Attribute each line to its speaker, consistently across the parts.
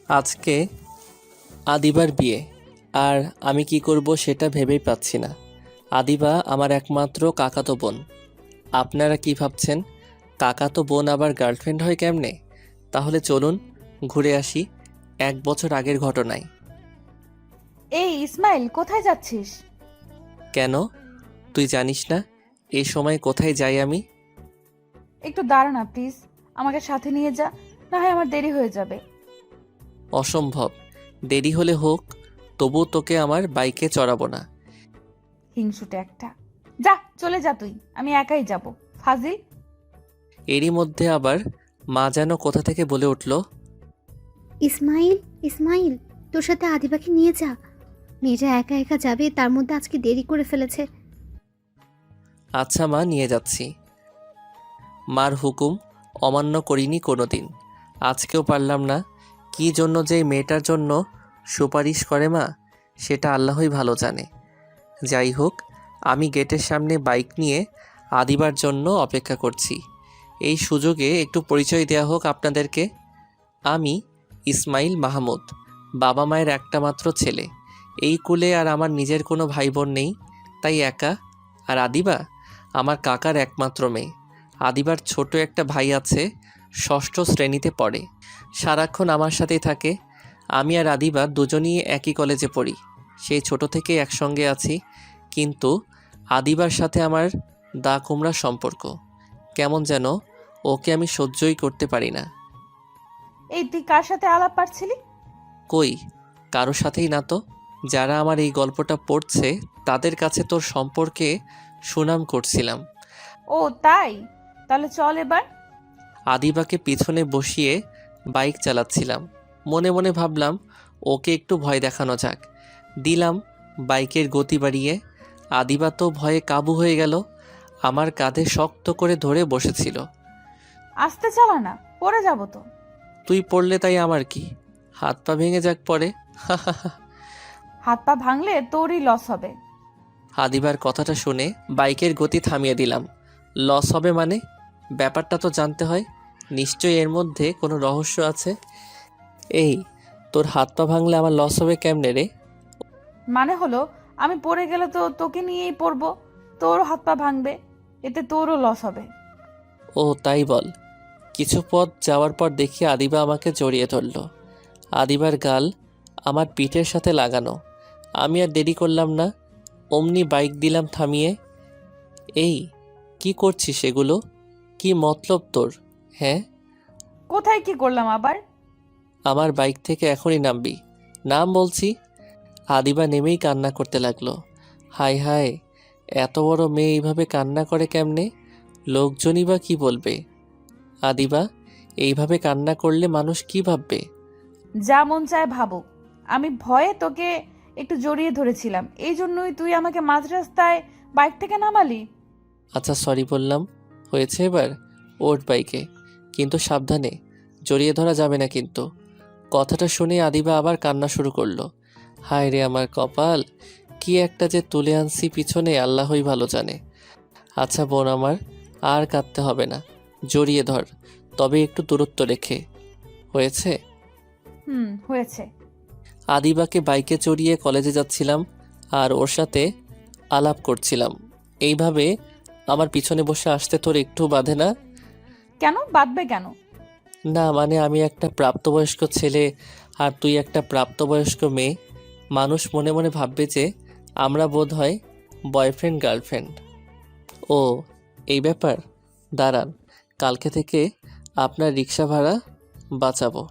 Speaker 1: আজকে আদিবার বিয়ে, আর আমি কি করব সেটা ভেবেই পাচ্ছি না। আদিবা আমার একমাত্র কাকাতো বোন। আপনারা কি ভাবছেন, কাকাতো বোন আবার গার্লফ্রেন্ড হয় কেমনে? তাহলে চলুন ঘুরে আসি 1 বছর আগের ঘটনায়।
Speaker 2: এই ইসমাইল, কোথায় যাচ্ছিস?
Speaker 1: কেন, তুই জানিস না এই সময় কোথায় যাই আমি?
Speaker 2: একটু দাঁড়া না প্লিজ, আমাকে সাথে নিয়ে যা, না হয় আমার দেরি হয়ে যাবে।
Speaker 1: অসম্ভব, দেরি হলে হোক, তবু তোকে আমার বাইকে চড়াবো না।
Speaker 2: হিংসুটে একটা, যা চলে যা তুই, আমি একাই যাব। ফাজিল।
Speaker 1: এরই মধ্যে আবার মা যেন কোথা থেকে বলে উঠল,
Speaker 3: ইসমাইল, ইসমাইল, তোর সাথে আদিবাকে নিয়ে যা। মেয়েটা একা একা যাবে, তার মধ্যে আজকে দেরি করে ফেলেছে।
Speaker 1: আচ্ছা মা, নিয়ে যাচ্ছি। মার হুকুম অমান্য করিনি কোনো দিন, আজকেও পারলাম না। কী জন্য যে এই মেয়েটার জন্য সুপারিশ করে মা, সেটা আল্লাহই ভালো জানে। যাই হোক, আমি গেটের সামনে বাইক নিয়ে আদিবার জন্য অপেক্ষা করছি। এই সুযোগে একটু পরিচয় দেওয়া হোক আপনাদেরকে। আমি ইসমাইল মাহমুদ, বাবা মায়ের একটা মাত্র ছেলে। এই কুলে আর আমার নিজের কোনো ভাই বোন নেই, তাই একা। আর আদিবা আমার কাকার একমাত্র মেয়ে। আদিবার ছোট একটা ভাই আছে, ষষ্ঠ শ্রেণীতে পড়ে, সারাক্ষণ আমার সাথেই থাকে। আমি আর আদিবা দুজনই একই কলেজে পড়ি, সেই ছোট থেকে একসঙ্গে আছি। কিন্তু আদিবার সাথে আমার দা কুমড়া সম্পর্ক। কেমন যেন ওকে আমি সহ্যই করতে পারি না।
Speaker 2: এই তুই কার সাথে আলাপ পারছিলি?
Speaker 1: কই, কারো সাথেই না তো। যারা আমার এই গল্পটা পড়ছে তাদের কাছে তোর সম্পর্কে সুনাম করছিলাম।
Speaker 2: ও তাই, তাহলে চল এবার।
Speaker 1: আদিবাকে পিছনে বসিয়ে বাইক চালাচ্ছিলাম, মনে মনে ভাবলাম ওকে একটু ভয় দেখানো যাক। দিলাম বাইকের গতি বাড়িয়ে। আদিবা তো ভয়ে কাবু হয়ে গেল, আমার কাঁধে শক্ত করে ধরে বসেছিল।
Speaker 2: আস্তে চালা না, পড়ে যাব তো।
Speaker 1: তুই পড়লে তাই আমার কি, হাত পা ভেঙে যাক পরে।
Speaker 2: হাত পা ভাঙলে তোরই লস হবে।
Speaker 1: আদিবার কথাটা শুনে বাইকের গতি থামিয়ে দিলাম। লস হবে মানে? ব্যাপারটা তো জানতে হয়, নিশ্চয়ই এর মধ্যে কোনো রহস্য আছে। এই, তোর হাত পা ভাঙলে আমার লস হবে কেমনে রে?
Speaker 2: মানে হলো, আমি পড়ে গেলে তো তোকে নিয়েই পড়বো, তোরও হাত পা ভাঙবে, এতে তোরও লস হবে।
Speaker 1: ও তাই বল। কিছু পথ যাওয়ার পর দেখি আদিবা আমাকে জড়িয়ে ধরল। আদিবার গাল আমার পিঠের সাথে লাগানো। আমি আর দেরি করলাম না, অমনি বাইক দিলাম থামিয়ে। এই, কি করছিস এগুলো? কি মতলব তোর? হ্যাঁ,
Speaker 2: কোথায় কি করলাম আবার?
Speaker 1: আমার বাইক থেকে এখনই নামবি। নাম বলছি। আদিবা নেমেই কান্না করতে লাগলো। হায় হায়, এত বড় মেয়ে এইভাবে কান্না করে কেমনে? লোকজনই বা কি বলবে? আদিবা, এইভাবে কান্না করলে মানুষ কি ভাববে?
Speaker 2: যা মন চায় ভাবুক, আমি ভয়ে তোকে একটু জড়িয়ে ধরেছিলাম, এই জন্যই তুই আমাকে মাঝ রাস্তায় বাইক থেকে নামালি।
Speaker 1: আচ্ছা সরি বললাম, হয়েছে এবার। ওঠ বাইকে, কিন্তু সাবধানে, জড়িয়ে ধরা যাবে না কিন্তু। কথাটা শুনে আদিবা আবার কান্না শুরু করলো। হায় রে আমার কপাল, কি একটা যে তুলে আনছি পিছনে আল্লাহই ভালো জানে। আচ্ছা বোন আমার, আর কাঁদতে হবে না, জড়িয়ে ধর, তবে একটু দূরত্ব রেখে। হয়েছে?
Speaker 2: হয়েছে।
Speaker 1: আদিবাকে বাইকে চড়িয়ে কলেজে যাচ্ছিলাম, আর ওর সাথে আলাপ করছিলাম। এইভাবে আমার পিছনে বসে আসতে তোর একটু বাধে না?
Speaker 2: কেন বাদবে কেন?
Speaker 1: না মানে, আমি একটা প্রাপ্তবয়স্ক ছেলে আর তুই একটা প্রাপ্তবয়স্ক মেয়ে। মানুষ মনে মনে ভাববে যে আমরা বোধ হয় বয়ফ্রেন্ড গার্লফ্রেন্ড। ও, এই ব্যাপার। দাঁড়ান, কালকে থেকে আপনার রিক্সা ভাড়া বাঁচাবো।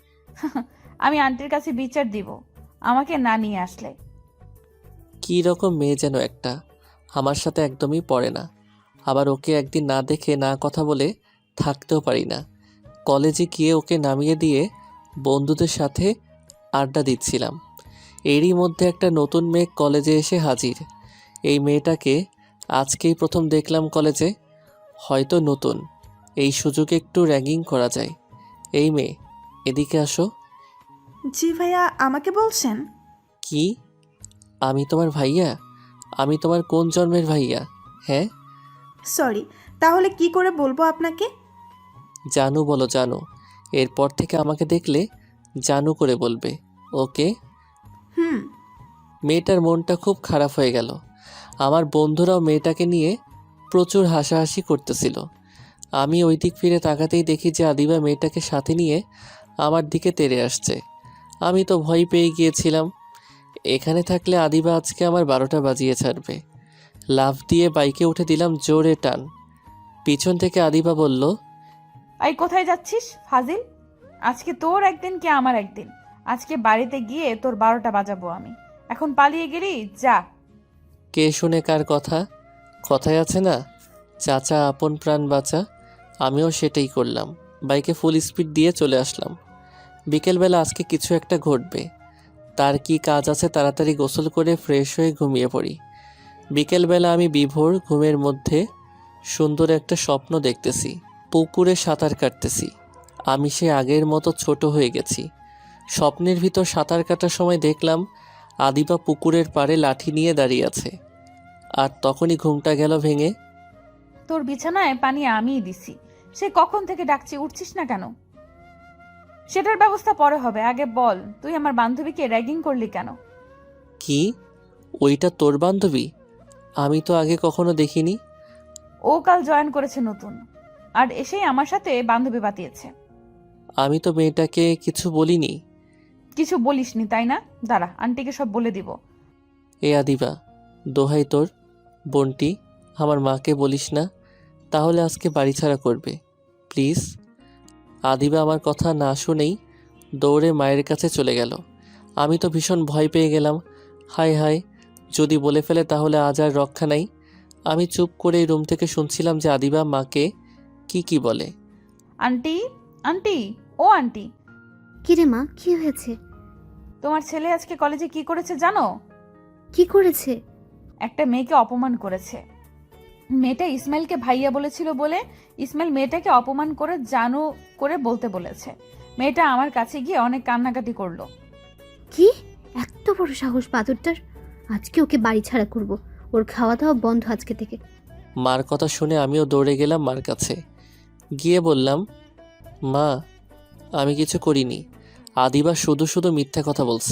Speaker 2: আমি আন্টির কাছে বিচার দিব আমাকে না নিয়ে আসলে।
Speaker 1: কী রকম মেয়ে যেন একটা, আমার সাথে একদমই পড়ে না। আবার ওকে একদিন না দেখে না কথা বলে থাকতেও পারি না। কলেজে গিয়ে ওকে নামিয়ে দিয়ে বন্ধুদের সাথে আড্ডা দিচ্ছিলাম। এরই মধ্যে একটা নতুন মেয়ে কলেজে এসে হাজির। এই মেয়েটাকে আজকেই প্রথম দেখলাম কলেজে। হয়তো নতুন, এই সুযোগে একটু র্যাগিং করা যায়। এই মেয়ে, এদিকে আসো।
Speaker 4: জি ভাইয়া, আমাকে বলছেন?
Speaker 1: কি? আমি তোমার ভাইয়া? আমি তোমার কোন জন্মের ভাইয়া? হ্যাঁ,
Speaker 4: সরি, তাহলে কি করে বলবো আপনাকে?
Speaker 1: জানু বলো জানু। এরপর থেকে আমাকে দেখলে জানু করে বলবে, ওকে?
Speaker 4: হুম।
Speaker 1: মেয়েটার মনটা খুব খারাপ হয়ে গেল। আমার বন্ধুরাও মেয়েটাকে নিয়ে প্রচুর হাসাহাসি করতেছিল। আমি ওই দিক ফিরে তাকাতেই দেখি যে আদিবা মেয়েটাকে সাথে নিয়ে আমার দিকে তেড়ে আসছে। আমি তো ভয় পেয়ে গিয়েছিলাম। এখানে থাকলে আদিবা আজকে আমার 12টা বাজিয়ে ছাড়বে। লাফ দিয়ে বাইকে উঠে দিলাম জোরে টান। পিছন থেকে আদিবা বলল,
Speaker 2: আই কোথায় যাচ্ছিস ফাজিল? আজকে তোর একদিন কি আমার একদিন। আজকে বাড়িতে গিয়ে তোর 12টা বাজাবো আমি। এখন পালিয়ে গেলি, যা।
Speaker 1: কে শুনে কার কথা? কথায় আছে না, চাচা আপন প্রাণ বাঁচা। আমিও সেটাই করলাম। বাইকে ফুল স্পিড দিয়ে চলে আসলাম। বিকেলবেলা আজকে কিছু একটা ঘটবে। তার কি কাজ আছে তাড়াতাড়ি গোসল করে ফ্রেশ হয়ে ঘুমিয়ে পড়ি। বিকেলবেলা আমি বিভোর ঘুমের মধ্যে সুন্দর একটা স্বপ্ন দেখতেছি। পুকুরে সাঁতার কাটতেছি। আমি সে আগের মতো ছোট হয়ে গেছি। স্বপ্নের ভিতর সাঁতার কাটার সময় দেখলাম আদিবা পুকুরের পাড়ে লাঠি নিয়ে দাঁড়িয়ে আছে। আর তখনই ঘুমটা গেল ভেঙে।
Speaker 2: তোর বিছানায় পানি আমিই দিছি। সে কখন থেকে ডাকছি, উঠছিস না কেন? সেটার ব্যবস্থা পরে হবে, আগে বল তুই আমার বান্ধবীকে র্যাগিং করলি কেন?
Speaker 1: কি? ওইটা তোর বান্ধবী? আমি তো আগে কখনো দেখিনি।
Speaker 2: ও কাল জয়েন করেছে নতুন, আর এসেই আমার সাথে বান্ধবী বাতিয়েছে।
Speaker 1: আমি তো মেয়েটাকে কিছু বলিনি।
Speaker 2: কিছু বলিসনি তাই না? দাঁড়া, আন্টিকে সব বলে দিব।
Speaker 1: এ আদিবা, দোহাই তোর, বোনটি, আমার মাকে বলিস না, তাহলে আজকে বাড়ি ছাড়া করবে, প্লিজ। আদিবা আমার কথা না শুনেই দৌড়ে মায়ের কাছে চলে গেল। আমি তো ভীষণ ভয় পেয়ে গেলাম। হায় হায়, যদি বলে ফেলে তাহলে আজ আর রক্ষা নাই। আমি চুপ করে রুম থেকে শুনছিলাম যে আদিবা মাকে কি বলে।
Speaker 2: আন্টি, আন্টি, ও আন্টি,
Speaker 3: কিরে মা, কি হয়েছে?
Speaker 2: তোমার ছেলে আজকে কলেজে কি করেছে জানো?
Speaker 3: কি করেছে?
Speaker 2: একটা মেয়েকে অপমান করেছে। মেয়েটা ইসমাইলকে ভাইয়া বলেছিল বলে ইসমাইল মেয়েটাকে অপমান করে জানু করে বলতে বলেছে। মেয়েটা আমার কাছে গিয়ে অনেক কান্নাকাটি করলো।
Speaker 3: কি এত বড় সাহস বাদুরটার! আজকে ওকে বাড়ি ছাড়া করব। ওর খাওয়া দাওয়া বন্ধ আজকে থেকে।
Speaker 1: মার কথা শুনে আমিও দৌড়ে গেলাম মার কাছে। গিয়ে বললাম, মা, আমি কিছু করিনি। আদিবা শুধু শুধু মিথ্যা কথা বলছে।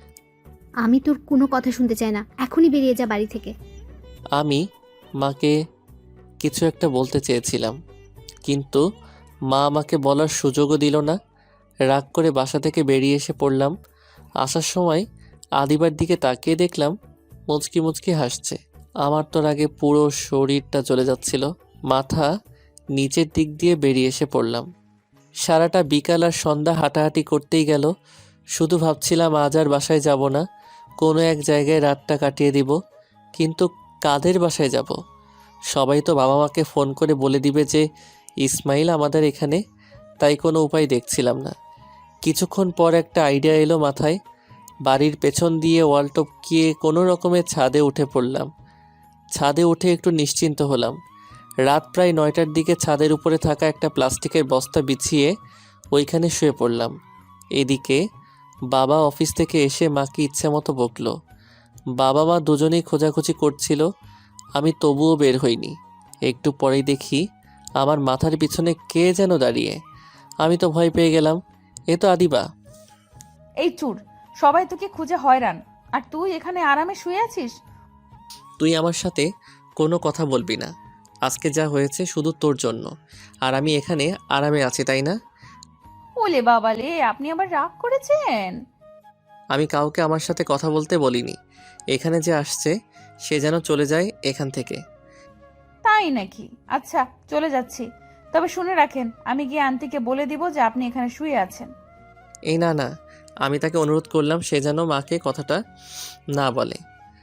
Speaker 3: আমি তোর কোনো কথা শুনতে চাই না, এখনই বেরিয়ে যা বাড়ি থেকে।
Speaker 1: আমি মাকে কিছু একটা বলতে চেয়েছিলাম, কিন্তু মা আমাকে বলার সুযোগও দিল না। রাগ করে বাসা থেকে বেরিয়ে এসে পড়লাম। আসার সময় আদিবার দিকে তাকিয়ে দেখলাম মুচকি মুচকি হাসছে। আমার তো আগে পুরো শরীরটা চলে যাচ্ছিল। মাথা নিচের দিক দিয়ে বেরিয়ে এসে পড়লাম। সারাটা বিকাল আর সন্ধ্যা হাঁটাহাঁটি করতেই গেল। শুধু ভাবছিলাম আজ আর বাসায় যাব না, কোনো এক জায়গায় রাতটা কাটিয়ে দিব। কিন্তু কাদের বাসায় যাব? সবাই তো বাবা মাকে ফোন করে বলে দিবে যে ইসমাইল আমাদের এখানে, তাই কোনো উপায় দেখছিলাম না। কিছুক্ষণ পর একটা আইডিয়া এলো মাথায়। বাড়ির পেছন দিয়ে ওয়াল টপকিয়ে কোনো রকমের ছাদে উঠে পড়লাম। ছাদে উঠে একটু নিশ্চিন্ত হলাম। রাত প্রায় 9টার দিকে ছাদের উপরে থাকা একটা প্লাস্টিকের বস্তা বিছিয়ে ওইখানে শুয়ে পড়লাম। এদিকে বাবা অফিস থেকে এসে মাকে ইচ্ছে মতো বকলো। বাবা মা দুজনেই খোঁজাখুঁজি করছিল, আমি তবুও বের হইনি। একটু পরেই দেখি আমার মাথার পিছনে কে যেন দাঁড়িয়ে। আমি তো ভয় পেয়ে গেলাম। এ তো আদিবা।
Speaker 2: এই চুর, সবাই তোকে খুঁজে হয়রান, আর তুই এখানে আরামে শুয়ে আছিস।
Speaker 1: তুই আমার সাথে কোনো কথা বলবি না। আজকে যা হয়েছে শুধু তোর জন্য, আর আমি এখানে আরামে আছি, তাই না?
Speaker 2: ওলে বাবালে, আপনি আবার রাগ করেছেন?
Speaker 1: আমি কাউকে আমার সাথে কথা বলতে বলিনি। এখানে যে আসছে সে যেন চলে যায় এখান থেকে।
Speaker 2: তাই নাকি? আচ্ছা, চলে যাচ্ছি। তবে শুনে রাখেন, আমি গিয়ে আন্টিকে বলে দিব যে আপনি এখানে শুয়ে আছেন।
Speaker 1: এই না না, আমি তাকে অনুরোধ করলাম সে যেন মাকে কথাটা না বলে।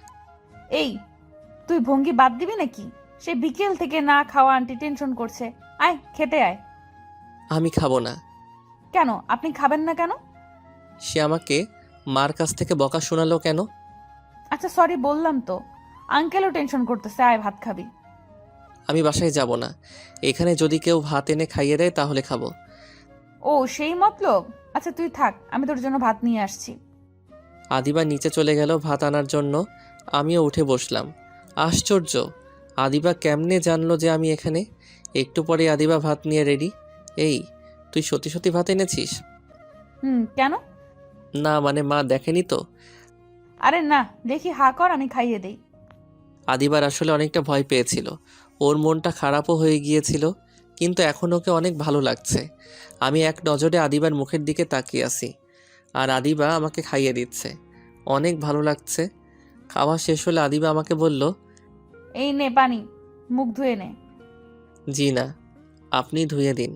Speaker 2: এই, তুই ভঙ্গি বাদ দিবি নাকি? সে বিকেল থেকে না খাওয়া আন্টি টেনশন করছে। আয়, খেতে আয়।
Speaker 1: আমি খাবো না।
Speaker 2: কেন আপনি খাবেন না কেন?
Speaker 1: সে আমাকে মার কাছ থেকে বকা শোনালো কেন?
Speaker 2: আচ্ছা সরি বললাম তো। আঙ্কেলও টেনশন করতেছে, আয় ভাত খাবি।
Speaker 1: আমি বাসায় যাব না। এখানে যদি কেউ ভাত এনে খাইয়ে দেয় তাহলে খাবো।
Speaker 2: ও সেই মতলব? আচ্ছা তুই থাক, আমি তোর জন্য ভাত নিয়ে আসছি।
Speaker 1: আদিবা নিচে চলে গেল ভাত আনার জন্য। আমিও উঠে বসলাম। আশ্চর্য, আদিবা কেমনে জানলো যে আমি এখানে? একটু পরে আদিবা ভাত নিয়ে রেডি। এই, তুই সত্যি সত্যি ভাত এনেছিস?
Speaker 2: কেন?
Speaker 1: না মানে মা দেখেনি তো।
Speaker 2: আরে না, দেখি হা কর, আমি খাইয়ে দেই।
Speaker 1: আদিবার আসলে অনেকটা ভয় পেয়েছিল, ওর মনটা খারাপও হয়ে গিয়েছিল, কিন্তু এখন ওকে অনেক ভালো লাগছে। আমি এক নজরে আদিবার মুখের দিকে তাকিয়ে আছি, আর আদিবা আমাকে খাইয়ে দিচ্ছে। অনেক ভালো লাগছে। খাওয়া শেষ হলে আদিবা আমাকে বলল,
Speaker 2: এই নে পানি, মুখ ধুয়ে নে।
Speaker 1: জি না, আপনি ধুয়ে দিন।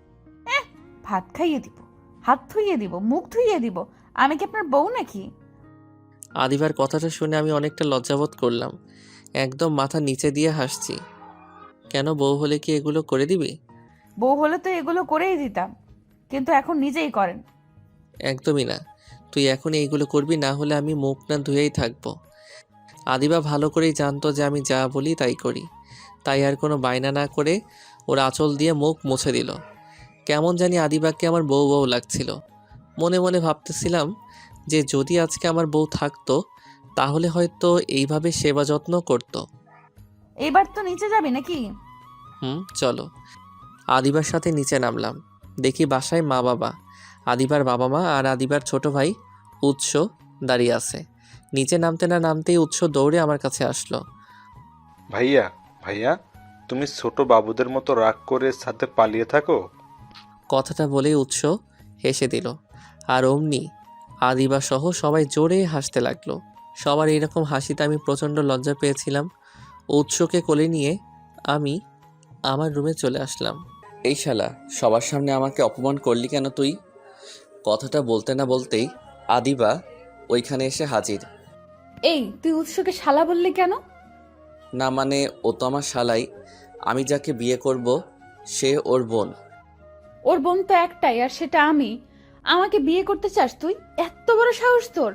Speaker 2: ভাত খাইয়ে দিব, হাত ধুইয়ে দিব, মুখ ধুইয়ে দিব? আমি কি আপনার বউ নাকি?
Speaker 1: আদিবার কথাটা শুনে আমি অনেকটা লজ্জাবোধ করলাম, একদম মাথা নিচে দিয়ে হাসছি। কেন, বউ হলে কি এগুলো করে দিবি?
Speaker 2: বউ হলে তো এগুলো করেই দিতাম, কিন্তু এখন নিজেই করেন।
Speaker 1: একদমই না, তুই এখন এইগুলো করবি, না হলে আমি মুখ না ধুয়েই থাকবো। আদিবা ভালো করেই জানতো যে আমি যা বলি তাই করি, তাই আর কোনো বায়না না করে ওর আঁচল দিয়ে মুখ মুছে দিল। কেমন জানি আদিবাকে আমার বউ বউ লাগছিল। মনে মনে ভাবতেছিলাম যে যদি আজকে আমার বউ থাকতো তাহলে হয়তো এইভাবে সেবা যত্ন করতো।
Speaker 2: এবার তো নিচে যাবি নাকি?
Speaker 1: চলো। আদিবার সাথে নিচে নামলাম, দেখি বাসায় মা বাবা, আদিবার বাবা মা আর আদিবার ছোট ভাই উৎস দাঁড়িয়ে আছে। নিচে নামতে না নামতেই উৎস দৌড়ে আমার কাছে আসলো।
Speaker 5: ভাইয়া, ভাইয়া, তুমি ছোট বাবুদের মতো রাগ করে সাথে পালিয়ে থাকো?
Speaker 1: কথাটা বলেই উৎস হেসে দিল, আর অমনি আদিবা সহ সবাই জোরে হাসতে লাগলো। সবার এইরকম হাসিতে আমি প্রচণ্ড লজ্জা পেয়েছিলাম। উৎসকে কোলে নিয়ে আমি আমার রুমে চলে আসলাম। এই শালা, সবার সামনে আমাকে অপমান করলি কেন তুই? কথাটা বলতে না বলতেই আদিবা ওইখানে এসে হাজির।
Speaker 2: এই, তুই উৎসকে শালা বললি কেন?
Speaker 1: না মানে ও তো আমার শালাই, আমি যাকে বিয়ে করব সে ওর বোন।
Speaker 2: ওর বোন তো একটাই, আর সেটা আমি। আমাকে বিয়ে করতে চাস তুই? এত বড় সাহস তোর!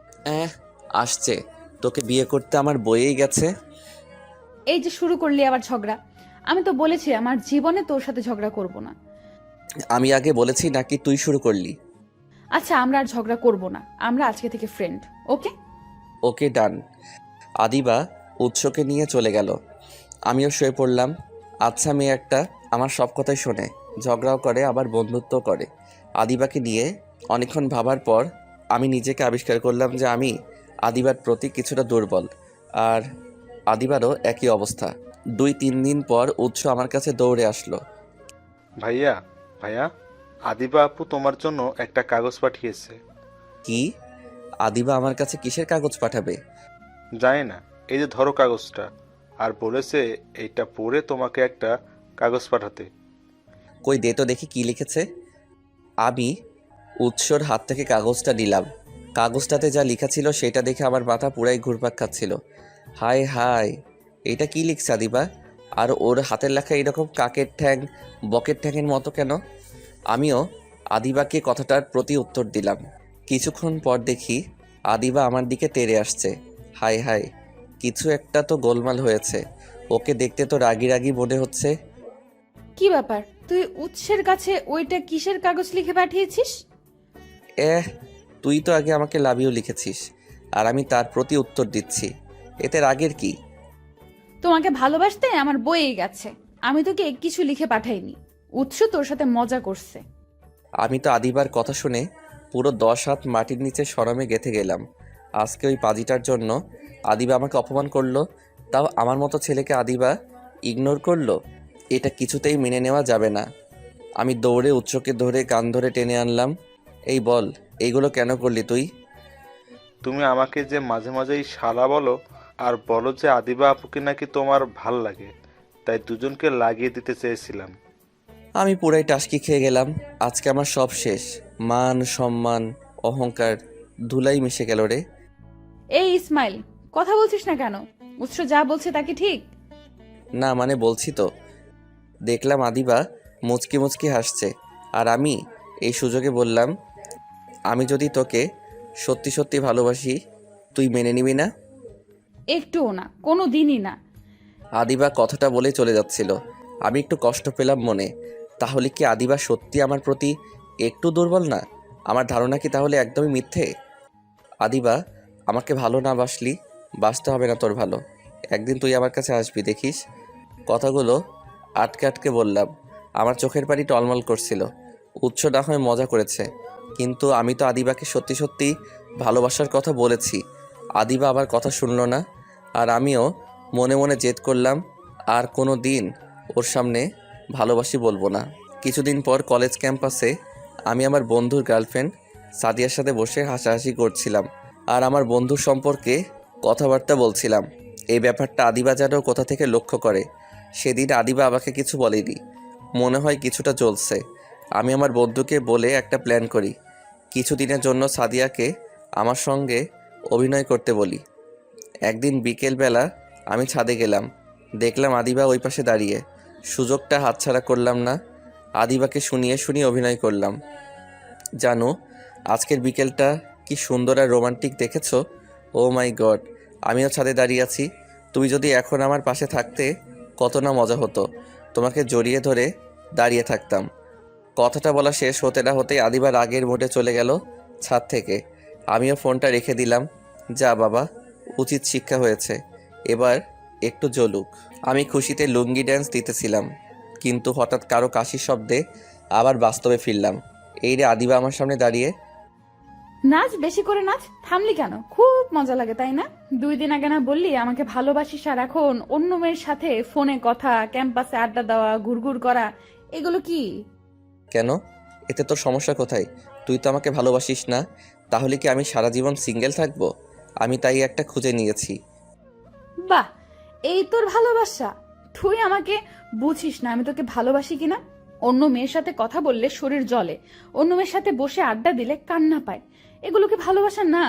Speaker 1: আসছে, তোকে বিয়ে করতে আমার বইয়েই গেছে।
Speaker 2: এই যে শুরু করলি আবার ঝগড়া। আমি তো বলেছি আমার জীবনে তোর সাথে ঝগড়া করব না।
Speaker 1: আমি আগে বলেছি নাকি তুই শুরু করলি?
Speaker 2: আচ্ছা, আমরা আর ঝগড়া করব না, আমরা আজকে থেকে ফ্রেন্ড, ওকে?
Speaker 1: ওকে, ডান। আদিবা উৎসকে নিয়ে চলে গেল, আমিও শুয়ে পড়লাম। আচ্ছা মেয়ে একটা, আমার সব কথাই শোনে, ঝগড়াও করে আবার বন্ধুত্ব করে। আদিবাকে নিয়ে অনেকক্ষণ ভাবার পর আমি নিজেকে আবিষ্কার করলাম যে আমি আদিবার প্রতি কিছুটা দুর্বল, আর আদিবারও একই অবস্থা। 2-3 দিন পর উৎস আমার কাছে দৌড়ে আসলো।
Speaker 5: ভাইয়া, ভাইয়া, আদিবা আপু তোমার জন্য একটা কাগজ পাঠিয়েছে।
Speaker 1: কি? আদিবা আমার কাছে কিসের কাগজ পাঠাবে?
Speaker 5: জানি না, এই যে ধরো কাগজটা, আর বলেছে এইটা পড়ে তোমাকে একটা কাগজ পাঠাতে।
Speaker 1: কই দে তো দেখি কি লিখেছে। আমি উৎসর হাত থেকে কাগজটা নিলাম। কাগজটাতে যা লেখা ছিল সেটা দেখে আমার মাথা পুরাই ঘুরপাক খাচ্ছিল। হায় হায়, এটা কি লিখছে আদিবা? আর ওর হাতের লেখা এরকম কাকের ঠ্যাং, বকের ঠ্যাংয়ের মতো কেন? আমিও আদিবাকে কথাটার প্রতি উত্তর দিলাম। কিছুক্ষণ পর দেখি আদিবা আমার দিকে তেড়ে আসছে। হায় হায়, কিছু একটা তো গোলমাল হয়েছে। ওকে দেখতে তো রাগি রাগি মনে হচ্ছে।
Speaker 2: কি ব্যাপার, তুই উৎসের কাছে ওইটা কিসের কাগজ লিখে পাঠিয়েছিস?
Speaker 1: তুই তো আগে আমাকে লাভ ইউ লিখেছিস, আর আমি তার প্রতি উত্তর দিচ্ছি, এতে রাগের কি?
Speaker 2: তোমাকে ভালোবাসতে আমার বইয়ে গেছে, আমি তোকে কিছু লিখে পাঠাইনি। উৎস তোর সাথে মজা করছে।
Speaker 1: আমি তো আদিবার কথা শুনে পুরো 10 হাত মাটির নিচে শরমে গেঁথে গেলাম। আজকে ওই পাজিটার জন্য আদিবা আমাকে অপমান করলো, তাও আমার মতো ছেলেকে আদিবা ইগনোর করলো। এটা কিছুতেই মেনে নেওয়া যাবে না। আমি দৌড়ে উৎসকে ধরে কান ধরে টেনে আনলাম। এই বল, এইগুলো কেন করলি তুই?
Speaker 5: তুমি আমাকে যে মাঝে মাঝেই শালা বলো, আর বলো যে আদিবা আপুকে নাকি তোমার ভাল লাগে, তাই দুজনকে লাগিয়ে দিতে চেয়েছিলাম।
Speaker 1: আমি পুরাই টাসকি খেয়ে গেলাম। আজকে আমার সব শেষ, মান সম্মান অহংকার ধুলাই মিশে গেল রে।
Speaker 2: এই ইসমাইল, কথা বলছিস না কেন? উৎস যা বলছে তা কি ঠিক?
Speaker 1: না মানে বলছি তো। দেখলাম আদিবা মুচকি মুচকি হাসছে, আর আমি এই সুযোগে বললাম, আমি যদি তোকে সত্যি সত্যি ভালোবাসি তুই মেনে নিবি না?
Speaker 2: একটুও না, কোনো দিনই না।
Speaker 1: আদিবা কথাটা বলে চলে যাচ্ছিল, আমি একটু কষ্ট পেলাম মনে। তাহলে কি আদিবা সত্যি আমার প্রতি একটু দুর্বল না? আমার ধারণা কি তাহলে একদমই মিথ্যে? আদিবা, আমাকে ভালো না বাসলি বাসতে হবে না তোর ভালো। একদিন তুই আমার কাছে আসবি, দেখিস। কথাগুলো আটকে আটকে বললাম, আমার চোখের পানি টলমল করছিল। উৎস না হয় মজা করেছে, কিন্তু আমি তো আদিবাকে সত্যি সত্যি ভালোবাসার কথা বলেছি। আদিবা আবার কথা শুনলো না, আর আমিও মনে মনে জেদ করলাম আর কোনো দিন ওর সামনে ভালোবাসি বলবো না। কিছুদিন পর কলেজ ক্যাম্পাসে আমি আমার বন্ধুর গার্লফ্রেন্ড সাদিয়ার সাথে বসে হাসাহাসি করছিলাম আর আমার বন্ধুর সম্পর্কে কথাবার্তা বলছিলাম। এই ব্যাপারটা আদিবা যেন কোথা থেকে লক্ষ্য করে। সেদিন আদিবা আমাকে কিছু বলেনি, মনে হয় কিছুটা চলছে। আমি আমার বন্ধুকে বলে একটা প্ল্যান করি, কিছুদিনের জন্য সাদিয়াকে আমার সঙ্গে অভিনয় করতে বলি। একদিন বিকেলবেলা আমি ছাদে গেলাম, দেখলাম আদিবা ওই পাশে দাঁড়িয়ে। সুযোগটা হাতছাড়া করলাম না, আদিবাকে শুনিয়ে শুনিয়ে অভিনয় করলাম। জানো, আজকের বিকেলটা কি সুন্দর আর রোমান্টিক দেখেছো? ও মাই গড, আমিও ছাদে দাঁড়িয়ে আছি। তুমি যদি এখন আমার পাশে থাকতে কত না মজা হতো। তোমাকে জড়িয়ে ধরে দাঁড়িয়ে থাকতাম। কথাটা বলা শেষ হতে না হতেই আদিবা রাগের মোডে চলে গেল ছাদ থেকে। আমিও ফোনটা রেখে দিলাম। যা বাবা, উচিত শিক্ষা হয়েছে, এবার একটু জ্বলুক। আমি খুশিতে লুঙ্গি ড্যান্স দিতেছিলাম, কিন্তু হঠাৎ কারো কাশির শব্দে আবার বাস্তবে ফিরলাম। এই রে আদিবা আমার সামনে দাঁড়িয়ে।
Speaker 2: নাচ, বেশি করে নাচ। থামলি কেন? খুব মজা লাগে তাই না? 2 দিন আগে না বললি আমাকে ভালোবাসিস, আর এখন অন্য মেয়ের সাথে ফোনে কথা, ক্যাম্পাসে আড্ডা দেওয়া, ঘুরঘুর করা, এগুলো কি?
Speaker 1: কেন? এতে তোর সমস্যা কোথায়? তুই তো আমাকে ভালোবাসিস না, তাহলে কি আমি সারা জীবন সিঙ্গেল থাকবো? আমি তাই একটা খুঁজে নিয়েছি।
Speaker 2: বাহ, এই তোর ভালোবাসা? তুই আমাকে বুঝিস না আমি তোকে ভালোবাসি কিনা। অন্য মেয়ের সাথে কথা বললে শরীর জ্বলে, অন্য মেয়ের সাথে বসে আড্ডা দিলে কান্না পায়, এগুলো কি ভালোবাসা না?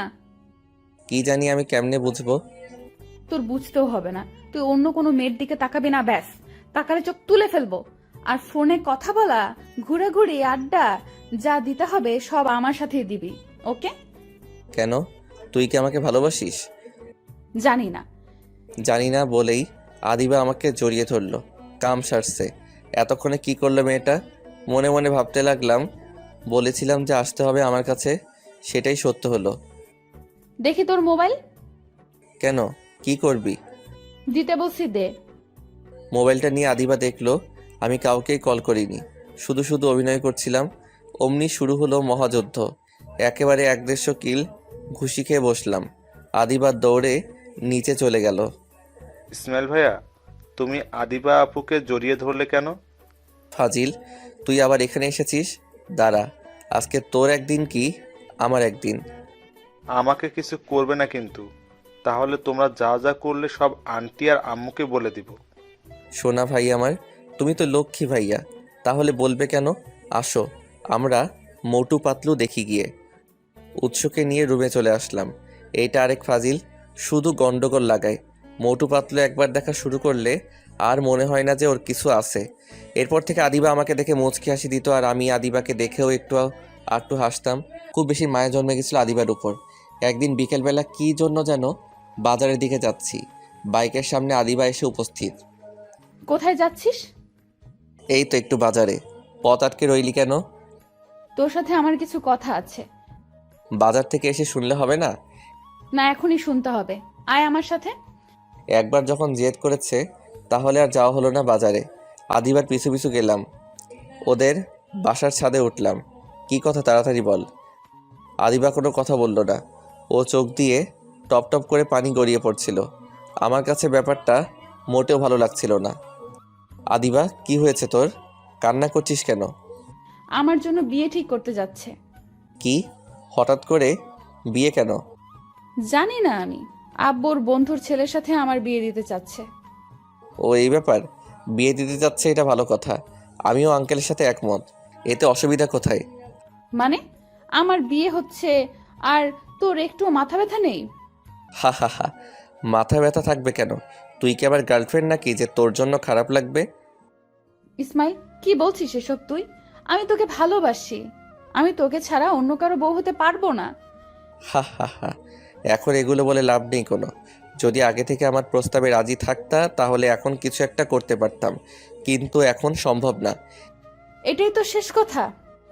Speaker 1: কি জানি আমি কেমনে বুঝবো?
Speaker 2: তোর বুঝতেও হবে না, তুই অন্য কোনো মেয়ের দিকে তাকাবি না, ব্যাস। তাকালে চোখ তুলে ফেলবো। আর ফোনে কথা বলা, ঘোরাঘুরি, আড্ডা যা দিতে হবে সব আমার সাথেই দিবি, ওকে?
Speaker 1: কেন? তুই কি আমাকে ভালোবাসিস?
Speaker 2: জানি না।
Speaker 1: জানি না বলেই আদিবা আমাকে জড়িয়ে ধরলো। কাম সারছে। এতক্ষণে কি করলো মেয়েটা? মনে মনে ভাবতে লাগলাম, বলেছিলাম যে আসতে হবে আমার কাছে, সেটাই সত্য হলো।
Speaker 2: দেখি তোর মোবাইল।
Speaker 1: কেন, কি করবি?
Speaker 2: দিতে বলছি, দে।
Speaker 1: মোবাইলটা নিয়ে আদিবা দেখলো আমি কাউকেই কল করিনি, শুধু শুধু অভিনয় করছিলাম। অমনি শুরু হলো মহাযুদ্ধ। একেবারে 150 কিল ঘুষি খেয়ে বসলাম। আদিবা দৌড়ে নিচে চলে গেল।
Speaker 5: ইসমাইল ভাইয়া, তুমি আদিবা আপুকে জড়িয়ে ধরলে কেন?
Speaker 1: ফাজিল, তুই আবার এখানে এসেছিস? দাঁড়া, আজকে তোর একদিন কি আমার একদিন।
Speaker 5: আমাকে কিছু করবে না কিন্তু, তাহলে তোমরা যা যা করলে সব আন্টি আর আম্মুকে বলে দিব।
Speaker 1: সোনা ভাই আমার, তুমি তো লক্ষ্মী ভাইয়া, তাহলে বলবে কেন? আসো, আমরা মোটু পাতলু দেখি গিয়ে। উৎসকে নিয়ে রুমে চলে আসলাম। এইটা আরেক ফাজিল, শুধু গন্ডগোল লাগায়। মোটু পাতলু একবার দেখা শুরু করলে আর মনে হয় না যে ওর কিছু আছে। এরপর থেকে আদিবা আমাকে দেখে মুচকি হাসি দিত, আর আমি আদিবাকে দেখেও একটু হাসতাম। খুব বেশি মায়া জন্মে গেছিল আদিবার উপর। একদিন বিকেলবেলা কি জন্য যেন বাজারের দিকে যাচ্ছি, বাইকের সামনে আদিবা এসে উপস্থিত।
Speaker 2: কোথায় যাচ্ছিস?
Speaker 1: এই তো একটু বাজারে। পথ আটকে রইলি কেন?
Speaker 2: তোর সাথে আমার কিছু কথা আছে।
Speaker 1: বাজার থেকে এসে শুনলে হবে না?
Speaker 2: না, এখনই শুনতে হবে। আয় আমার সাথে।
Speaker 1: একবার যখন জেদ করেছে তাহলে আর যাওয়া হলো না বাজারে। আদিবার পিছু পিছু গেলাম, ওদের বাসার ছাদে উঠলাম। কি কথা, তাড়াতাড়ি বল। আদিবা কোনো কথা বলল না, ও চোখ দিয়ে টপ টপ করে পানি গড়িয়ে পড়ছিল। আমার কাছে ব্যাপারটা মোটেও ভালো লাগছিল না। আদিবা, কি হয়েছে তোর? কান্না করছিস কেন?
Speaker 2: আমার জন্য বিয়ে ঠিক করতে যাচ্ছে।
Speaker 1: কি, হঠাৎ করে বিয়ে কেন?
Speaker 2: জানি না, আমি আব্বুর বন্ধুর ছেলের সাথে আমার বিয়ে দিতে চাচ্ছে।
Speaker 1: ও এই ব্যাপার, বিয়ে দিতে যাচ্ছে, এটা ভালো কথা। আমিও আঙ্কেলের সাথে একমত, এতে অসুবিধা কোথায়?
Speaker 2: মানে আমার বিয়ে হচ্ছে আর তোর একটু মাথা ব্যথা নেই?
Speaker 1: হা হা হা, মাথা ব্যথা থাকবে কেন? তুই কি আবার গার্লফ্রেন্ড নাকি যে তোর জন্য খারাপ লাগবে?
Speaker 2: ইসমাইল, কি বলছিস এসব তুই? আমি তোকে ভালোবাসি, আমি তোকে ছাড়া অন্য কারো বউ হতে পারবো না।
Speaker 1: হা হা হা, এখন এগুলো বলে লাভ নেই কোনো। যদি আগে থেকে আমার প্রস্তাবে রাজি থাকতা তাহলে এখন কিছু একটা করতে পারতাম, কিন্তু এখন সম্ভব না।
Speaker 2: এটাই তো শেষ কথা?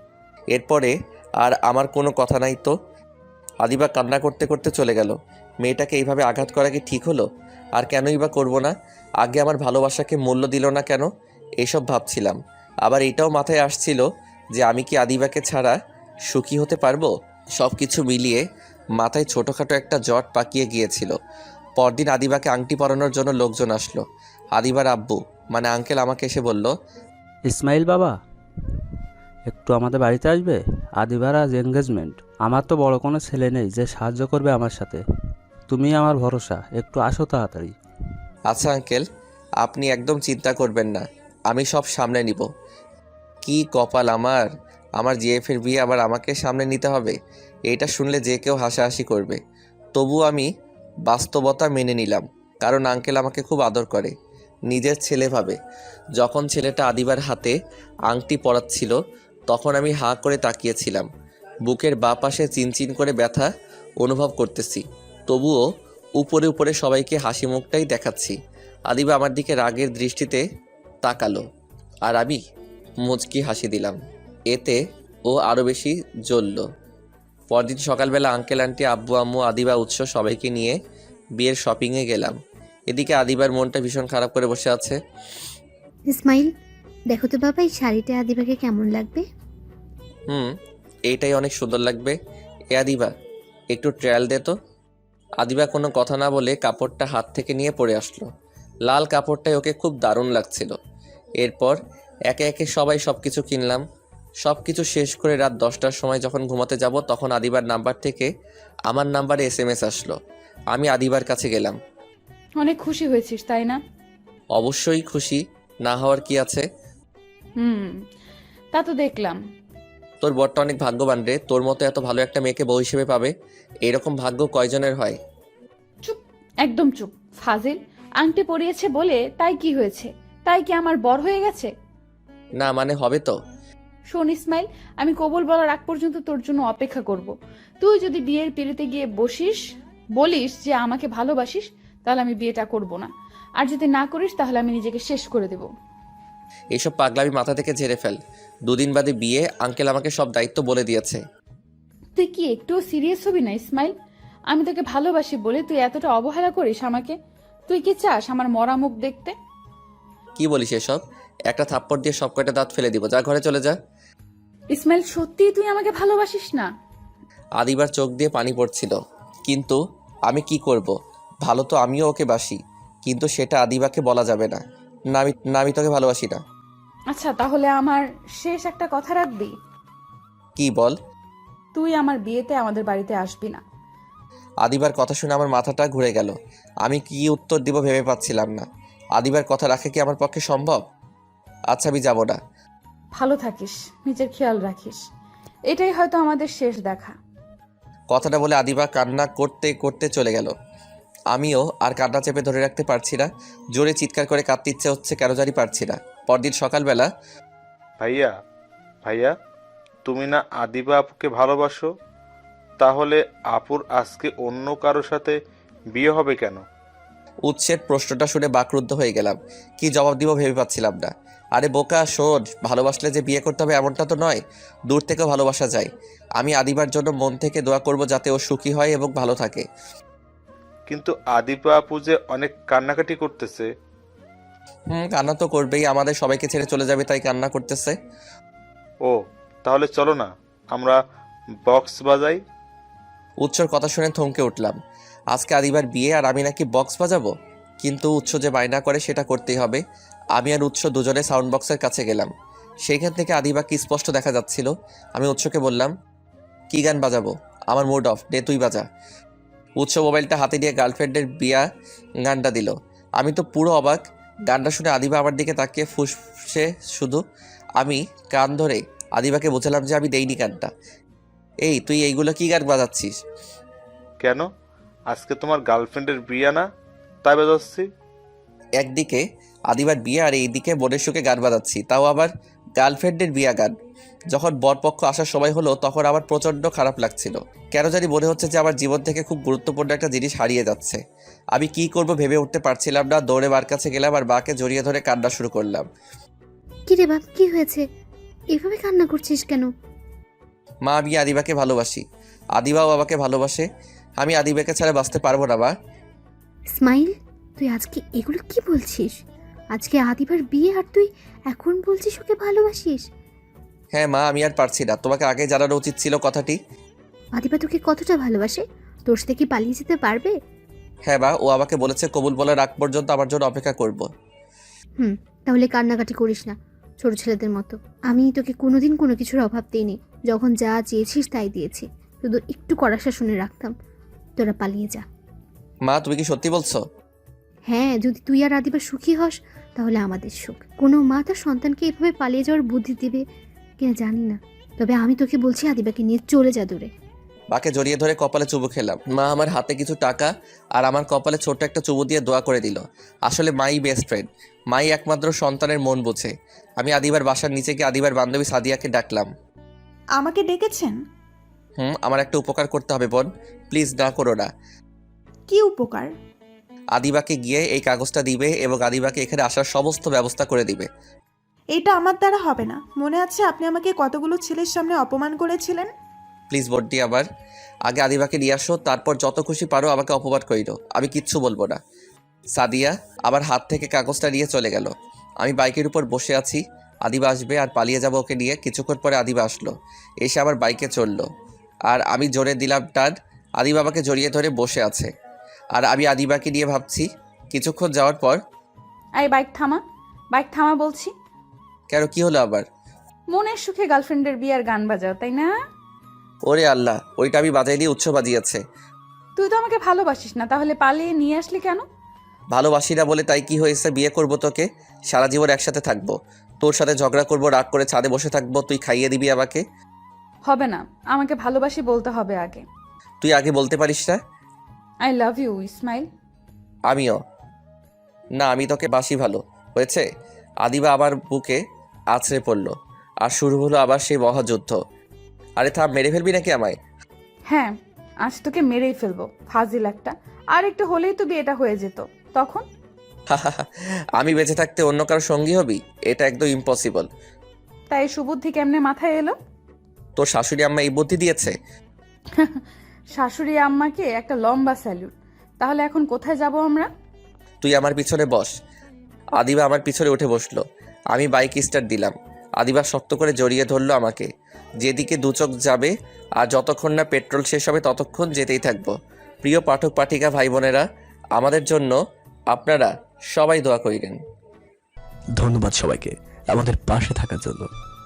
Speaker 1: এরপরে আর আমার কোনো কথা নাই তো। আদিবা কান্না করতে করতে চলে গেল। মেয়েটাকে এইভাবে আঘাত করা কি ঠিক হলো? আর কেনই বা করবো না? আগে আমার ভালোবাসাকে মূল্য দিল না কেন? এসব ভাবছিলাম। আবার এটাও মাথায় আসছিল যে আমি কি আদিবাকে ছাড়া সুখী হতে পারবো? সব কিছু মিলিয়ে মাথায় ছোটোখাটো একটা জট পাকিয়ে গিয়েছিল। পরদিন আদিবাকে আংটি পরানোর জন্য লোকজন আসলো। আদিবার আব্বু মানে আঙ্কেল আমাকে এসে বলল,
Speaker 6: ইসমাইল বাবা, একটু আমাদের বাড়িতে আসবে? আদিবার আজ এনগেজমেন্ট। আমার তো বড় কোনো ছেলে নেই যে সাহায্য করবে আমার সাথে। তুমি আমার ভরসা, একটু আসো তাড়াতাড়ি।
Speaker 1: আচ্ছা আঙ্কেল, আপনি একদম চিন্তা করবেন না, আমি সব সামলে নিব। কি কপাল আমার, আমার জিএফের বিয়ে আবার আমাকে সামনে নিতে হবে। এটা শুনলে যে কেউ হাসাহাসি করবে। তবু আমি বাস্তবতা মেনে নিলাম, কারণ আঙ্কেল আমাকে খুব আদর করে, নিজের ছেলে ভাবে। যখন ছেলেটা আদিবার হাতে আংটি পরাচ্ছিল তখন আমি হাঁ করে তাকিয়েছিলাম। বুকের বাঁ পাশে চিনচিন করে ব্যথা অনুভব করতেছি, তবুও উপরে উপরে সবাইকে হাসি মুখটাই দেখাচ্ছি। আদিবা আমার দিকে রাগের দৃষ্টিতে তাকালো, আর আমি মুচকি হাসি দিলাম। এতে ও আরও বেশি জ্বলল। পরদিন সকালবেলা আঙ্কেল আন্টি আব্বু আম্মু আদিবা উৎস সবাইকে নিয়ে বিয়ের শপিংয়ে গেলাম। এদিকে আদিবার মনটা ভীষণ খারাপ করে বসে আছে।
Speaker 3: ইসমাইল, দেখো তো বাবা এই শাড়িটা আদিবাকে কেমন লাগবে?
Speaker 1: এইটাই অনেক সুন্দর লাগবে। এ আদিবা, একটু ট্রায়াল দে তো। আদিবা কোনো কথা না বলে কাপড়টা হাত থেকে নিয়ে পরে আসলো। লাল কাপড়টাই ওকে খুব দারুণ লাগছিল। এরপর একে একে সবাই সব কিছু কিনলাম। সব কিছু শেষ করে রাত 10টার সময় যখন ঘুমাতে যাব তখন আদিবার নাম্বার থেকে আমার নাম্বারে SMS আসলো। আমি আদিবার কাছে গেলাম।
Speaker 2: অনেক খুশি হয়েছিস তাই না?
Speaker 1: অবশ্যই খুশি, না হওয়ার কি আছে।
Speaker 2: তা তো দেখলাম।
Speaker 1: তোর বরটা অনেক ভাগ্যবান রে, তোর মতো এত ভালো একটা মেয়েকে বউ হিসেবে পাবে। এরকম ভাগ্য কয়জনের হয়?
Speaker 2: চুপ, একদম চুপ। ফাজিল, আংটি পরিয়েছে বলে তাই কি হয়েছে? তাই কি আমার বর হয়ে গেছে?
Speaker 1: না মানে হবে তো।
Speaker 2: শোন ইসমাইল, আমি কবুল বলার আগ পর্যন্ত তোর জন্য অপেক্ষা করব। তুই যদি বিয়ের পিড়িতে গিয়ে বলিস যে আমাকে ভালোবাসিস, তাহলে আমি বিয়েটা করব না। আর যদি না করিস তাহলে আমি নিজেকে শেষ করে দেব।
Speaker 1: এইসব পাগলামি মাথা থেকে ঝেড়ে ফেল। 2 দিন বাদে বিয়ে, আঙ্কেল আমাকে সব দায়িত্ব বলে দিয়েছে।
Speaker 2: তুই কি একটুও সিরিয়াস হবি না ইসমাইল? আমি তোকে ভালোবাসি বলে তুই এতটা অবহেলা করিস আমাকে? তুই কি চাস আমার মরা মুখ দেখতে?
Speaker 1: কি বলিস এসব? একটা থাপ্পড় দিয়ে সব কয়টা দাঁত ফেলে দিব, যা ঘরে চলে যা।
Speaker 2: ইসমাইল, সত্যিই তুই আমাকে ভালোবাসিস না?
Speaker 1: আদিবার চোখ দিয়ে পানি পড়ছিল। কিন্তু আমি কি করব, ভালো তো আমিও ওকে বাসি, কিন্তু সেটা আদিবাকে বলা যাবে না। না আমি তোকে ভালোবাসি না।
Speaker 2: আচ্ছা, তাহলে আমার শেষ একটা কথা রাখবি?
Speaker 1: কি বল?
Speaker 2: তুই আমার বিয়েতে আমাদের বাড়িতে আসবি না।
Speaker 1: আদিবার কথা শুনে আমার মাথাটা ঘুরে গেল। আমি কি উত্তর দিব ভেবে পাচ্ছিলাম না। আদিবার কথা রাখা কি আমার পক্ষে সম্ভব? আচ্ছা আমি যাব না।
Speaker 2: ভালো থাকিস, নিজের খেয়াল রাখিস। এটাই হয়তো আমাদের শেষ দেখা।
Speaker 1: কথাটা বলে আদিবা কান্না করতে করতে চলে গেল। আমিও আর কান্না চেপে ধরে রাখতে পারছি না। জোরে চিৎকার করে কাঁদতে ইচ্ছে হচ্ছে, কেন জানি পারছি না। পরদিন সকালবেলা,
Speaker 5: ভাইয়া ভাইয়া, তুমি না আদিবা আপুকে ভালোবাসো? তাহলে আপুর আজকে অন্য কারোর সাথে বিয়ে হবে কেন?
Speaker 1: উৎসের প্রশ্নটা শুনে বাকরুদ্ধ হয়ে গেলাম। কি জবাব দিব ভেবে পাচ্ছিলাম না। আরে বোকা শোন, ভালোবাসলে যে বিয়ে করতে হবে এমনটা তো নয়, দূর থেকেও ভালোবাসা যায়। আমি আদিবার জন্য মন থেকে দোয়া করব যাতে ও সুখী হয় এবং ভালো থাকে।
Speaker 5: কিন্তু আদিবা আপু যে অনেক কান্নাকাটি করতেছে।
Speaker 1: কান্না তো করবেই, আমাদের সবাইকে ছেড়ে চলে যাবে তাই কান্না করতেছে।
Speaker 5: ও, তাহলে চলো না আমরা বক্স বাজাই।
Speaker 1: উৎসর কথা শুনে থমকে উঠলাম। আজকে আদিবার বিয়ে আর আমি নাকি বক্স বাজাবো? কিন্তু উৎস যে বায়না করে সেটা করতেই হবে। আমি আর উৎস দুজনে সাউন্ড বক্সের কাছে গেলাম। সেইখান থেকে আদিবাকে স্পষ্ট দেখা যাচ্ছিল। আমি উৎসকে বললাম, কি গান বাজাবো? আমার মুড অফ, দে তুই বাজা। উৎস মোবাইলটা হাতে নিয়ে গার্লফ্রেন্ডের বিয়া গানটা দিল। আমি তো পুরো অবাক। গানটা শুনে আদিবা আমার দিকে তাকিয়ে ফুসফুসে শুধু। আমি কান ধরে আদিবাকে বোঝালাম যে আমি দেইনি গানটা। এই তুই এইগুলো কি গান বাজাচ্ছিস?
Speaker 5: কেন, আজকে তোমার গার্লফ্রেন্ডের বিয়ে না, তাই বাজাচ্ছি।
Speaker 1: একদিকে আদিবার বিয়ে আর এইদিকে বোনের সুখে গান বাজাচ্ছি, তাও আবার গার্লফ্রেন্ডের বিয়া গান। যখন বরপক্ষ আসার সময় হলো তখন আমার প্রচণ্ড খারাপ লাগছিল। কেন জানি মনে হচ্ছে যে আমার জীবন থেকে খুব গুরুত্বপূর্ণ একটা জিনিস হারিয়ে যাচ্ছে। আমি কি করব ভেবে উঠতে পারছিলাম না। দৌড়ে বার কাছে গেলাম আর বাকে জড়িয়ে ধরে কান্না শুরু করলাম।
Speaker 3: কি রে বাপ, কি হয়েছে? এভাবে কান্না করছিস কেন?
Speaker 1: মা, আমি আদিবাকে ভালোবাসি, আদিবাও বাবাকে ভালোবাসে। আমি আদিবাকে ছাড়া বাঁচতে পারবো না মা।
Speaker 3: ইসমাইল, তুই আজকে এগুলো কি বলছিস? আজকে আদিবার বিয়ে আর তুই এখন বলছিস ওকে ভালোবাসিস?
Speaker 1: হ্যাঁ মা, আমি আর পারছি না। তোমাকে আগে জানানো উচিত ছিল কথাটি।
Speaker 3: আদিবা তোকে কতটা ভালোবাসে, তোর সাথে কি পালিয়ে যেতে পারবে?
Speaker 1: হ্যাঁ মা, ও আমাকে বলেছে কবুল বলার আগ পর্যন্ত আমার জন্য অপেক্ষা করব।
Speaker 3: তাহলে কান্নাকাটি করিস না ছোট ছেলেদের মতো। আমি তোকে কোনোদিন কোনো কিছুর অভাব দিইনি, যখন যা চেয়েছিস তাই দিয়েছি, শুধু একটু কড়া শাসনে রাখতাম। তোরা পালিয়ে যা।
Speaker 1: মা, তুমি কি সত্যি বলছো?
Speaker 3: হ্যাঁ, যদি তুই আর আদিবা সুখী হস তাহলে আমাদের সুখ। কোনো মা তার সন্তানকে এভাবে পালিয়ে যাওয়ার বুদ্ধি দিবে কিনা জানি না, তবে আমি তোকে বলছি আদিবাকে নিয়ে চলে যা দূরে।
Speaker 1: মাকে জড়িয়ে ধরে কপালে চুমু খেলাম। মা আমার হাতে কিছু টাকা আর আমার কপালে ছোট্ট একটা চুমু দিয়ে দোয়া করে দিল। আসলে মাই বেস্ট ফ্রেন্ড, মাই একমাত্র সন্তানের মন বোঝে। আমি আদিবার বাসার নিচে গিয়ে আদিবার বান্ধবী সাদিয়াকে ডাকলাম।
Speaker 4: আমাকে ডেকেছেন?
Speaker 1: আমার একটা উপকার করতে হবে বোন, প্লিজ না করো না।
Speaker 4: কি উপকার?
Speaker 1: আদিবাকে গিয়ে এই কাগজটা দিবে এবং আদিবাকে এখানে আসার সমস্ত ব্যবস্থা করে দিবে।
Speaker 4: এটা আমার দ্বারা হবে না। মনে আছে আপনি আমাকে কতগুলো ছেলের সামনে অপমান করেছিলেন?
Speaker 1: প্লিজ বোনটি, আবার আগে আদিবাকে নিয়ে আসো, তারপর যত খুশি পারো আমাকে অপমান করিল, আমি কিচ্ছু বলবো না। সাদিয়া আমার হাত থেকে কাগজটা নিয়ে চলে গেল। আমি বাইকের উপর বসে আছি, আদিবা আসবে আর পালিয়ে যাবো ওকে নিয়ে। কিছুক্ষণ পরে আদিবা আসলো, এসে আবার বাইকে চললো আর আমি জোরে দিলাম টান। আদিবা আমাকে জড়িয়ে ধরে বসে আছে আর আমি আদিবাকে নিয়ে ভাবছি। কিছুক্ষণ যাওয়ার পর,
Speaker 2: এই বাইক থামা, বাইক থামা বলছি।
Speaker 1: কেন, কি হলো আবার?
Speaker 2: মনের সুখে গার্লফ্রেন্ডের বিয়ার গান বাজাও, তাই না?
Speaker 1: ওরে আল্লাহ, ওইটা আমি বাজাই দিয়ে উৎস বাজিয়েছে।
Speaker 2: তুই তো আমাকে ভালোবাসিস না, তাহলে পালিয়ে নিয়ে আসলি কেন?
Speaker 1: ভালোবাসি না বলে তাই কি হয়েছে? বিয়ে করব তোকে, সারা জীবন একসাথে থাকবো, তোর সাথে ঝগড়া করবো, রাগ করে ছাদে বসে থাকবো, তুই খাইয়ে দিবি আমাকে।
Speaker 2: হবে না, আমাকে ভালোবাসি বলতে হবে আগে।
Speaker 1: তুই আগে বলতে পারিস না?
Speaker 2: I love you Ismail.
Speaker 1: আমিও না, আমি তোকে বাসি। ভালো হয়েছে। আদিবা আবার বুকে আছড়ে পড়লো আর শুরু হলো আবার সেই মহাযুদ্ধ। আরে থাম, মেরে ফেলবি নাকি আমায়?
Speaker 2: হ্যাঁ, আজ তোকে মেরেই ফেলবো, ফাজিল একটা। আর একটু হলেই তো বিয়েটা হয়ে যেত, তখন?
Speaker 1: আমি বেঁচে থাকতে অন্য কারো সঙ্গী হবি? এটা একদম ইম্পসিবল।
Speaker 2: তাই সুবুদ্ধি কেমনে মাথায় এলো?
Speaker 1: তোর শাশুড়ি আম্মা এই বুদ্ধি দিয়েছে।
Speaker 2: শাশুড়ি আম্মাকে একটা লম্বা স্যালুট। তাহলে এখন কোথায় যাব আমরা?
Speaker 1: তুই আমার পিছনে বস। আদিবা আমার পিছনে উঠে বসলো। আমি বাইক স্টার্ট দিলাম। আদিবা শক্ত করে জড়িয়ে ধরলো আমাকে। যেদিকে দু চোখ যাবে আর যতক্ষণ না পেট্রোল শেষ হবে ততক্ষণ যেতেই থাকবো। প্রিয় পাঠক পাঠিকা ভাই বোনেরা, আমাদের জন্য আপনারা সবাই দোয়া করিলেন।
Speaker 7: ধন্যবাদ সবাইকে আমাদের পাশে থাকার জন্য।